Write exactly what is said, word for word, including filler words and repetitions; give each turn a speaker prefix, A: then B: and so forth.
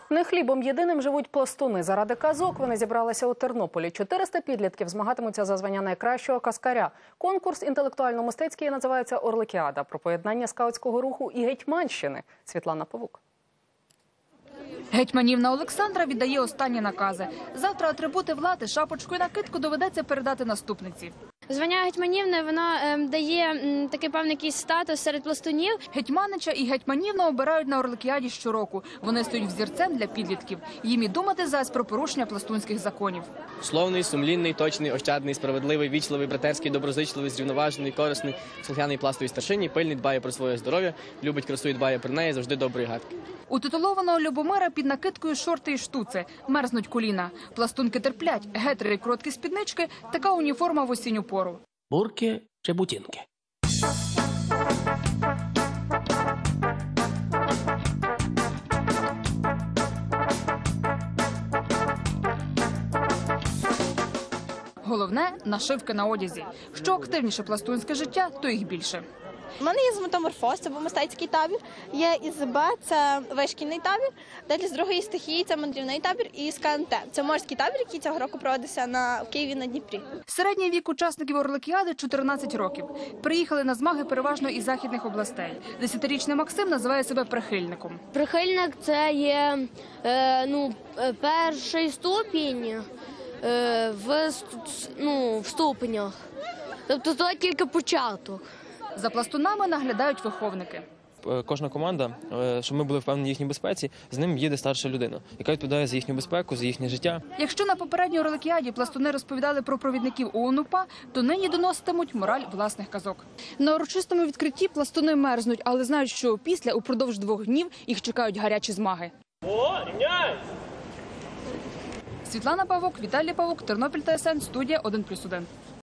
A: Не хлібом єдиним живуть пластуни. Заради казок вони зібралися у Тернополі. чотириста підлітків змагатимуться за звання найкращого каскаря. Конкурс інтелектуально-мистецький називається «Орликіада» про поєднання скаутського руху і гетьманщини. Світлана Павук.
B: Гетьманівна Олександра віддає останні накази. Завтра атрибути влади, шапочку і накидку доведеться передати наступниці.
C: Звання гетьманівни, воно е, дає м, такий певний якийсь статус серед пластунів.
B: Гетьманича і гетьманівну обирають на Орликіаді щороку. Вони стають взірцем для підлітків. Їм і думати зась про порушення пластунських законів.
D: Словний, сумлінний, точний, ощадний, справедливий, вічливий, братерський, доброзичливий, зрівноважений, корисний, слухняний пластовій старшині, пильний, дбає про своє здоров'я, любить красу і дбає про неї, завжди доброї гадки.
B: У титулованого Любомира під накидкою шорти і штуци. Мерзнуть коліна. Пластунки терплять. Гетри і короткі спіднички – така уніформа в осінню пору.
E: Бурки чи бутінки?
B: Головне – нашивки на одязі. Що активніше пластунське життя, то їх більше.
F: У мене є з метаморфоз, це був мистецький табір, є із Б, це вишкільний табір, далі з другої стихії це мандрівний табір і з К Н Т. Це морський табір, який цього року проводився на, в Києві на Дніпрі.
B: Середній вік учасників Орликіади – чотирнадцять років. Приїхали на змаги переважно із західних областей. Десятирічний Максим називає себе прихильником.
C: Прихильник – це є е, ну, перший ступінь е, в, ну, в ступенях. Тобто це тільки початок.
B: За пластунами наглядають виховники.
G: Кожна команда, щоб ми були впевнені в їхній безпеці, з ним їде старша людина, яка відповідає за їхню безпеку, за їхнє життя.
B: Якщо на попередній Орликіаді пластуни розповідали про провідників ОУН-УПА, то нині доноситимуть мораль власних казок. На урочистому відкритті пластуни мерзнуть, але знають, що після, упродовж двох днів, їх чекають гарячі змаги. Світлана Павук, Віталій Павук, Тернопіль Т С Н, студія один плюс один.